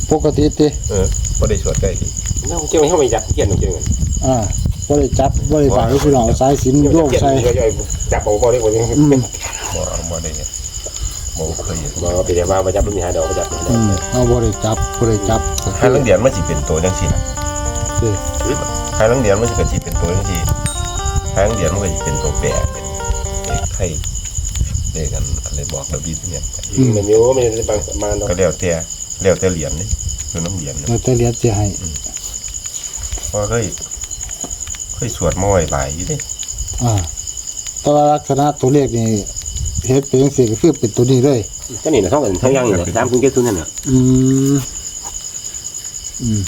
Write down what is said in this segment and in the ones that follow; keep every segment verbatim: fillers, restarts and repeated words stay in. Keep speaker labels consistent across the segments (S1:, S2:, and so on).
S1: ปกติติ
S2: เออบ่ได้สวดใกล้ที่น้องเจ้าไม่เข้าไปจับเขียนเจ้าเงิน
S1: อ่าบ่ได้จับบ่ได้ใส่พี่น้องสายสิญจน์โยกใส่
S2: จับเอาบ่ได้บ่ได้บ่บ่ได้บ่เคยบ่ไปแต่ว่าบ่จับมีหาดอกบ่จับ
S1: อืมเฮาบ่ได้จับบ่ได้จับ
S2: หาลังเดียนมันสิเป็นตัวจังซี่น่ะสิหาลังเดียนมันสิก็สิเป็นตัวจังซี่หาลังเดียนมันก็สิเป็นตัวแปรเป็นเอกไทยเรียกกันอะไรบอกระเบียบเนี่ยมันอยู่มันบางประมาณก็แล้วแต่แล้วแต่เหรียญนี่คือน้ำเหรียญ
S1: แล้วแต่เหรียญสิให้
S2: เพราะเคยเคยสวดมาไว้หลายอยู่ดิ
S1: อ่าแต่ว่าลักษณะตัวเลขนี่เฮ็ดเป็นจังซี่ก็คือเป็นตัวนี้เลย
S2: ก็นี่น่ะท้องกันทั้งยังนี่สามศูนย์เจ็ดศูนย์นั่นน่ะ
S1: อืมอืม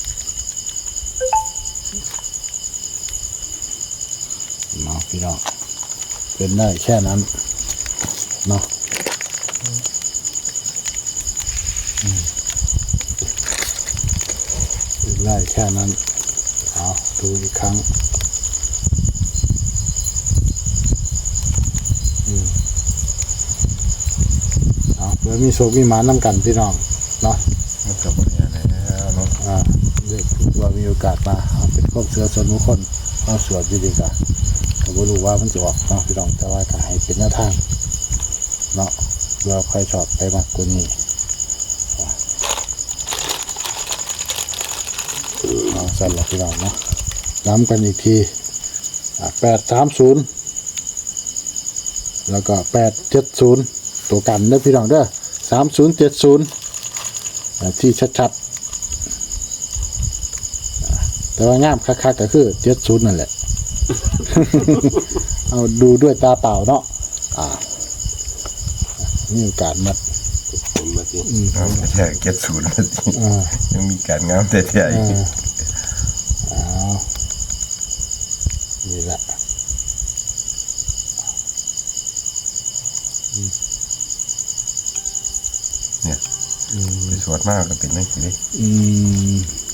S1: เนาะพี่น้องเป็นได้แค่นั้นเนาะเป็นได้แค่นั้นเอาดูอีกครั้งอืมเอาเพื่อมีโชคมีหมาน้ำกันพี่น้องเนาะ
S2: มันก็บ่ได้แล้วเนาะ
S1: อ่าเด็กว่ามีโอกาสมาเอาเป็นครอบเสือส่วนบุคคลเอาสวดดีๆกันก็บ่รู้ว่ามันจะออกเนาะพี่น้องแต่ว่าก็ให้เป็นแนวทางเนาะเราใครชอบไปมากกว่านี้เอาสั่นละพี่น้องเนาะย้ำกันอีกทีแปดสามศูนย์แล้วก็แปดเจ็ดศูนย์ตัวกันเด้อพี่น้องเด้อสามศูนย์เจ็ดศูนย์ที่ชัดๆแต่ว่างามคักๆก็คือเจ็ดศูนย์นั่นแหละ เอาดูด้วยตาเปล่าเนาะอ่ามีโอกาสมัด
S2: มาสิงามแท้เจ็ดศูนย์มาสิยังมีการงามแท้ๆอีก
S1: อ้าวนี่แหละ
S2: เนี่ยไปสวดมากก็เป็นนั่นสิดิ
S1: อืม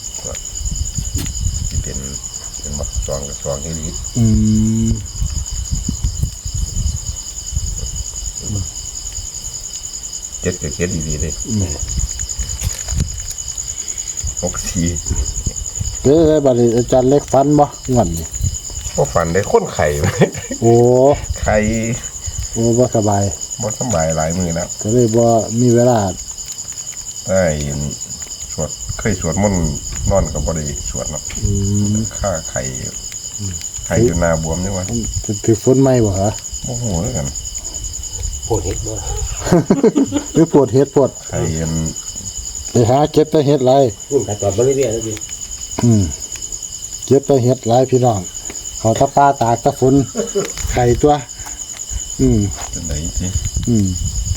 S2: ที่เป็นเป็นบักซองกับซองที่ดี
S1: อืม
S2: เจ็ดกับเจ็ดดีๆเลยหกสี่
S1: เด้อบัดนี้อาจารย์เล็กฟันบ่งอนนี่
S2: บ่ฝันได้คนไข่
S1: โอ้
S2: ไข่
S1: โอ้บ่สบาย
S2: บ่สบายหลายมื้อแล้ว
S1: ก็เลยบ่มีเวลา
S2: ได้สวดเคยสวดมนต์นอนก็บ่ได้สวดเนาะ
S1: อืม
S2: ค่าไข่ไข่อยู่หน้าบวมจังว่า
S1: ถือฝนไหมบ่ฮะ
S2: บ่ฮู้คือกันปวดเฮ็ดบ่
S1: หรือปวดเฮ็ดปวด
S2: ไข่อัน
S1: ไปหาเก็บแต่เฮ็ดไร
S2: พุ่นไปตอดบ่เรื่อยๆแล้วดิ
S1: อืมเก็บแต่เฮ็ดไรพี่น้องเขาตะปาตากตะฝนไข่ตัวอืม
S2: จังได๋สิ
S1: อืม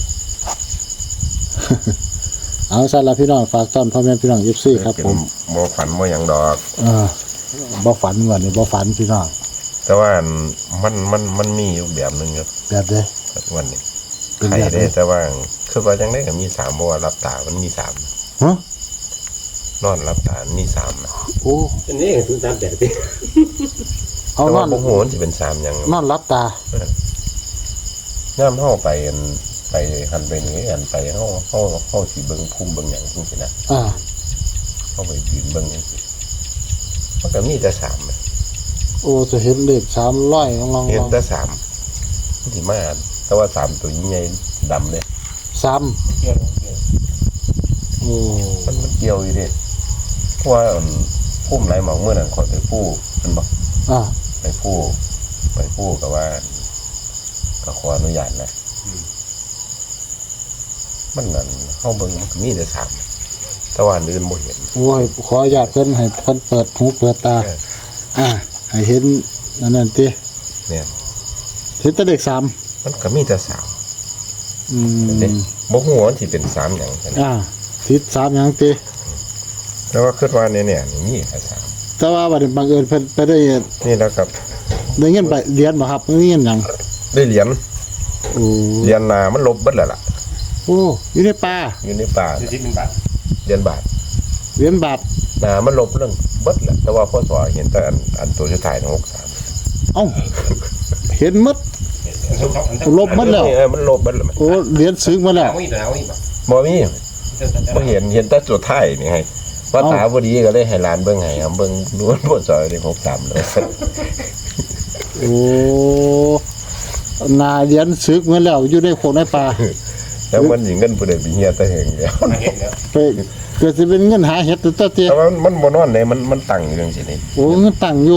S1: เอาซั่นล่ะพี่น้องฝากต้อนพ่อแม่พี่น้อง เอฟ ซี ครับผม
S2: บ่ฝันบ่หยังดอก
S1: เออบ่ฝันว่านี่บ่ฝันพี่น้อง
S2: แต่ว่ามันมันมันมีอยู่แบบนึงครับ
S1: แบบใด
S2: วันนี้ไข่ได้แต่ว่าคือว่าจังได๋ก็มีสามบ่ว่ารับตามันมีสาม
S1: ฮะ
S2: นอนรับตามีสาม
S1: โอ้
S2: อันนี้คือสามแบบติเอานอนบ่ฮู้มันสิเป็นสามหยัง
S1: นอนรับตา
S2: ยามเฮาไปไปหันไปนี่อันไปเฮาเฮาเฮาสิเบิ่งภูมิเบิ่งหยังจังซี่นะ
S1: อ่า
S2: เฮาไปยืนเบิ่งจังซี่มันก็มีแต่สาม
S1: โอ้จะเห็นเลขสามร้อยลองๆ
S2: เห็นแต่สามมันสิมาแต่ว่าสามตัวใหญ่ดำเลย
S1: สามโอ้
S2: มันมันเกี่ยวอยู่ดิเพราะว่าภูมิหลายหม่องเมื่อนั้นขอไปผู้มันบ่
S1: อ่า
S2: ไปผู้ไปผู้ก็ว่าก็ขออนุญาตนะมันนั่นเฮาเบิ่งมันก็มีแต่สามแต่ว่าอื่นบ่เห็น
S1: โอ้ยขออนุญาตเพิ่นให้เพิ่นเปิดหูเปิดตาอ่าให้เห็นนั่นนั่นติ
S2: เนี่ย
S1: เห็นแต่เลขสาม
S2: มันก็มีแต่สาม
S1: อืม
S2: บ่ฮู้ว่าสิเป็นสามหยัง
S1: อ่าทิศสามหยังติ
S2: แต่ว่าคิดว่าเนี่ยเนี่ยมีแค่สาม
S1: แต่ว่าบัดนี้บังเอิญเพิ่นไปได้
S2: นี่แล้วครับ
S1: ได้เงินไปเหรียญบ่ครับได้เงินหยัง
S2: ได้เหรียญ
S1: โอ้
S2: เหรียญนามันลบเบิดแล้วล่ะ
S1: โอ้อยู่ในป่า
S2: อยู่ในป่า
S3: สิบเป็นบาท
S2: เหรียญบาท
S1: เหรียญบาท
S2: นามันลบเรื่องเบิดแหละแต่ว่าพศเห็นแต่อันอันตัวสุดท้ายของหกสิบสาม
S1: เอ้าเห็นหมดลบหมดแล้ว
S2: เออมันลบเบิดแล้ว
S1: โอ้เหรียญซึ้งหมดแล้ว
S2: บ่มี
S1: โ
S2: บ่เห็นเห็นแต่จุดท้ายนี่ให้ว่าตาบ่ดีก็เลยให้หลานเบิ่งให้ครับเบิ่งล้วนบ่ซอยได้หกสามเลย
S1: โอ้นาเรียนซึกเหมือนแล้วอยู่ในโขงในป่า
S2: แล้วมันสิเงินผู้ใดไปเฮียแต่แห่งเดียว
S1: ไปเกิดสิเป็นเงินหาเห็ดตัวเตี้ย
S2: แต่ว่ามันบ่นอนเลยมันมันตั้งอยู่จังซี่นี่
S1: โอ้เงินตั้งอยู่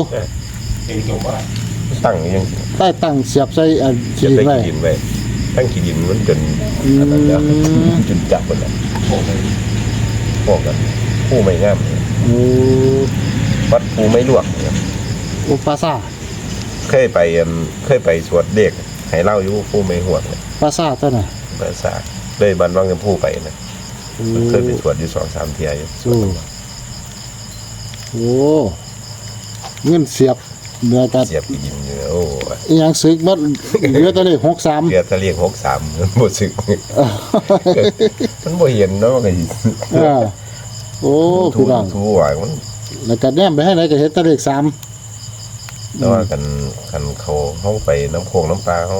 S2: ตั้งอยู่จังซี่
S1: ใต้ตั้งเสียบใส่อัน
S2: เก็
S1: ขี้
S2: บ
S1: ดิน
S2: ได้
S1: ไว้
S2: ขี้ดินไว้ทั้งขี้ดินมันจนอันนั้นแล้วจนจับหมดแล้วพวกกันผู้ไม่งามเนี่ย
S1: โอ้
S2: วัดผู้ไม่ลวกเนี่ย
S1: โอปราสาท
S2: เคยไปอันเคยไปสวดเด็กให้เล่าอยู่ผู้ไม่ห่วงเนี่ย
S1: ปราสาทตัวน่ะ
S2: ภาษาเลยบันวังกันผู้ไปนะ
S1: โอ้
S2: เคยไปสวดอยู่สองสามเที่ยอยู่
S1: โอ้โอ้เงินเสียบเหนือกัน
S2: เสียบขี้ดินอยู่โอ้ย
S1: อีหยังซึกมัดเหลือตัวเลขหกสาม
S2: เกียร์ทะเลียงหกสามบ่สึกมันบ่เห็นเนาะมันก็สิ
S1: อ่าโอ้
S2: ทู
S1: พี่น้อง
S2: ทูว่ามัน
S1: แล้วก็แนมไปให้ไหนก็เห็นตัวเลขสาม
S2: แต่ว่ากันกันเขาเฮาไปน้ำโขงน้ำปลาเฮา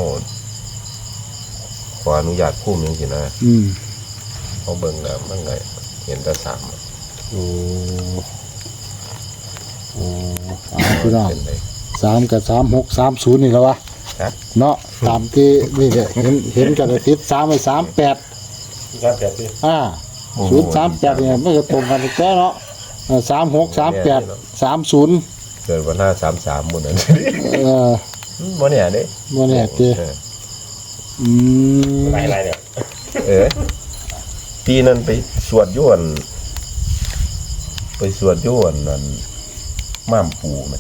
S2: ขออนุญาตพูดจังซี่นะ
S1: อืม
S2: เขาเบิ่งแล้วมันก็เห็นแต่สาม
S1: โอ้โอ้อ่าพี่น้อง
S2: เป็นเลย
S1: สามกับสามหกสามศูนย์นี่แล้ววะ
S2: ครับ
S1: เนาะตามที่นี่เนี่ยเห็นเห็นกันอาทิตย์สามไปสามแปด
S3: ครับแบบนี้
S1: อ่าศูนย์สามแปดเนี่ยไม่ก็ตรงกันอีกแล้วเนาะสามหกสามแปดสามศูนย์
S2: เกิดวันหน้าสามสามหมดนั้น
S1: เออ
S2: บ่เนี่ยเด้
S1: โมเนี่ยเจ
S2: เออ
S1: อืม
S3: ลายลายเนี่ย
S2: เออปีนั้นไปสวดย้วนไปสวดย้วนนั่นม่ามปูไหม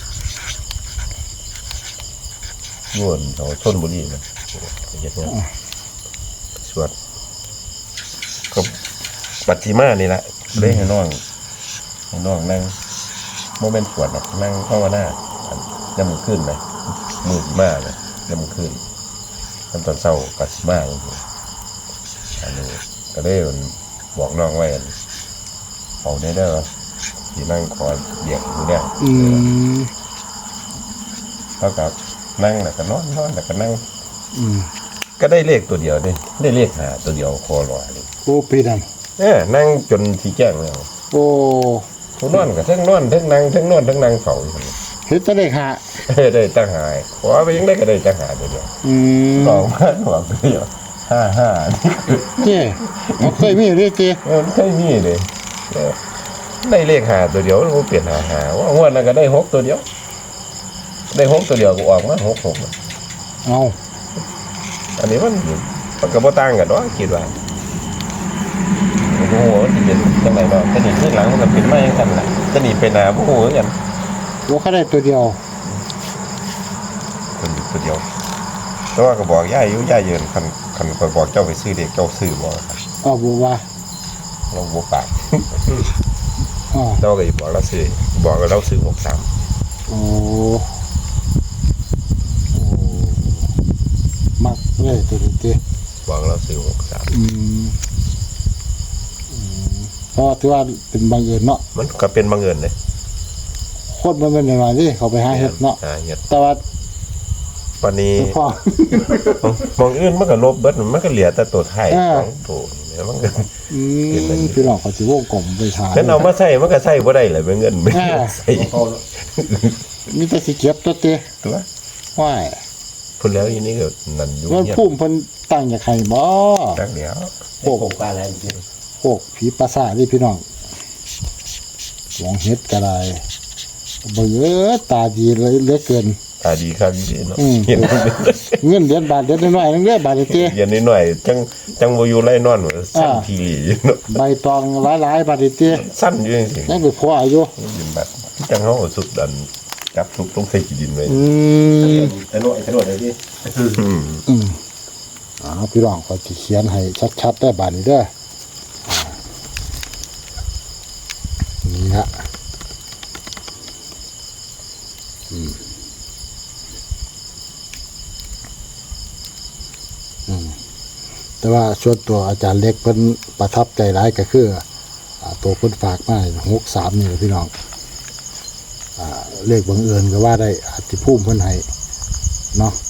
S2: ย้วนแถวชลบุรีนะเฮ็ดงานสวดก็ปัจจิมานี่แหละเลยให้น้องให้น้องนั่งโมเมนต์สวดหรอกนั่งภาวนาย่ำมือขึ้นเลยมืดมากเลยย่ำมือขึ้นตอนตอนเศร้าปัจจิมาเลยอันนี้ก็ได้บอกน้องไว้อันเอาได้เด้อที่นั่งคอยเบียกอยู่เนี่ย
S1: อืม
S2: เท่ากับนั่งแล้วก็นอนนอนแล้วก็นั่ง
S1: อืม
S2: ก็ได้เลขตัวเดียวนี่ได้เลขหาตัวเดียวคอลอยเลย
S1: โอ้พี่นั่น
S2: เออนั่งจนสีแจ้งแล้ว
S1: โอ้
S2: ทุนอนกับเทั้งนอนเทั้งนั่งเทั้งนอนเทั้งนั่งเฝ้าอยู่
S1: เห็นตัวเลขหา
S2: เออได้ตั้งหายขอไปยังได้ก็ได้ตั้งหาตัวเดียว
S1: อืม
S2: ลองมาหวังตัวเดียวห้าห้านี่คือ
S1: เจ้เราเคยมีเรื่อยเจ
S2: เออไม่มีเลยเออได้เลขหาตัวเดียวมันเปลี่ยนหาหาว่างวดนั้นก็ได้หกตัวเดียว ได้หกตัวเดียวก็ออกมาหกหก
S1: เอา
S2: อันนี้มันมันก็บ่ต่างกันเนาะคิดว่าโอ้โหที่เป็นจังไดเนาะแต่นี่ที่หลังมันก็เป็นมาอย่างนั้นล่ะแต่นี่ไปหน้าบ่ฮู้คือกัน
S1: โอ้เขาได้ตัวเดียว
S2: คนอยู่ตัวเดียวแต่ว่าก็บอกยายอยู่ยายเยินคันคันข่อยบอกเจ้าไปซื้อเด็กเจ้าซื้อบ่ครับ
S1: อ้าวบอกว่า
S2: เราบ่ปาก
S1: อ๋อ
S2: เจ้าก็สิบอกเราซื้อบอกว่าเราซื้อหกสาม
S1: โอ้โอ้มักเลยตัวนี้เจ
S2: บอกเราซื้อหกสาม
S1: อืมอืมเพราะถือว่าเป็นบังเอิญเนาะ
S2: มันก็เป็นบังเอิญเลย
S1: โคตรมันเป็นหน่อยๆนี่เขาไปหาเห็ดเนาะ
S2: หาเฮ็ด
S1: แต่ว่า
S2: ปานนี้
S1: พ่อ
S2: มองอื่นมันก็ลบเบิดมันก็เหลือแต่ตัวไทย
S1: อ่า
S2: ของตัวนี่มันก็
S1: อืมพี่น้องเขาสิวงกลมไปทาน
S2: ฉันเอามาใส่มันก็ใส่บ่ได้เลยเป็นเงินไม่ได้ใส่
S1: มีแต่สิเก็บตัวเตะ
S2: ตัว
S1: ว้าย
S2: พุ่นแล้วอีนี่ก็นั่นอยู่
S1: มัน
S2: เงียบ
S1: พุ่มเพิ่นตั้งอยากให้บ่
S2: ตั้งเดียว
S1: พวก
S3: ผมปลาอะไรจริง
S1: พวกผีปราสาทนี่พี่น้องหวงเฮ็ดก็ได้เบิ่งเอ้อตาดีเลยเหลือเกิน
S2: ตาดีครับดีเนาะ
S1: อืม
S2: เห็น
S1: เงินเดือนบาทเดือนน้อยๆนึงเด้อบาทเตะ
S2: เย็นนิดหน่อยจังจังบ่อยู่ไล่นอนว่าสั้น
S1: อ่า
S2: ทีหลีเนาะ
S1: ใบตองหลายๆบาทเตะ
S2: สั้นอยู่จริง
S1: ยังไปพออายุ
S2: ๆยืนแบบจังเฮาเอาสุดดันจับทุกต้องใส่ขี้ดินไว้
S1: อืม
S3: ถนนถนนอะไรที่
S2: อืม
S1: อืมอ่าพี่น้องก็สิเขียนให้ชัดๆได้บาดนี้เด้ออ่านี่ฮะอืมอืมแต่ว่าส่วนตัวอาจารย์เล็กเพิ่นประทับใจหลายก็คืออ่าตัวเพิ่นฝากมาหกสามนี่แหละพี่น้องอ่าเลขบังเอิญก็ว่าได้อาจสิพุ่มเพิ่นให้เนาะ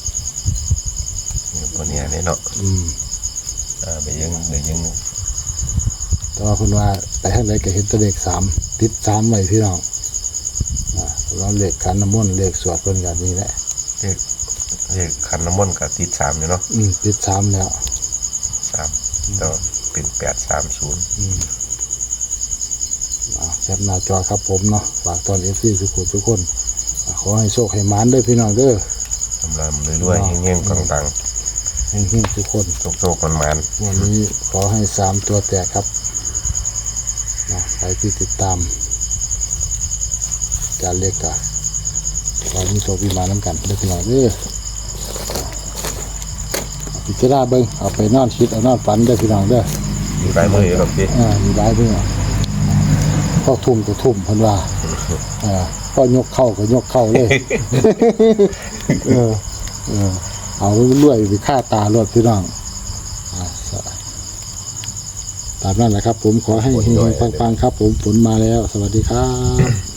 S2: ตัวเนี้ยเนี่ยเนาะ
S1: อืม
S2: อ่าไปยังไปยัง
S1: แต่แต่ว่าคุณว่าไปทางไหนก็เห็นตัวเลขสามติดสามไว้พี่น้องอ่าเราเลขขันน้ำมนต์เลขสวดเพิ่นกันนี่แหละ
S2: เลขเลขขันน้ำมนต์กับติดสามอยู่เนาะ
S1: อืมติดสามแล้ว
S2: สามต่อเป็นแปดสามศูนย์
S1: อืมอ่าแคปหน้าจอครับผมเนาะฝากตอนเอฟซีทุกคนทุกคนอ่าขอให้โชคให้หมานด้วยพี่น้องเด้อ
S2: ทำลำเรื่อยๆเงี้ยงๆตัง
S1: ให้เฮงๆทุกคน
S2: ๆโชคๆมันมัน
S1: วันนี้ขอให้สามตัวแตกครับนะใครที่ติดตามการเรียกกะขอมีโชคมีหมาน้ำกันเด้อพี่น้องเด้อเอาพิจารณาเบิ่งเอาไปนอนคิดเอานอนฝันเด้อพี่น้องเด้อ
S2: มีปลายมืออยู่หรอกพี่
S1: อ่ามีหลายเบิ่งอ่ะพ่อทุ่มก็ทุ่มเพิ่นว่าอ่าพ่อยกเข้าก็ยกเข้าเลย เออเออเอาเรื่อยๆไปฆ่าตารถพี่น้องอ่าตามนั้นแหละครับ ผมขอให้เฮงๆปังๆครับ ผมฝนมาแล้ว สวัสดีครับ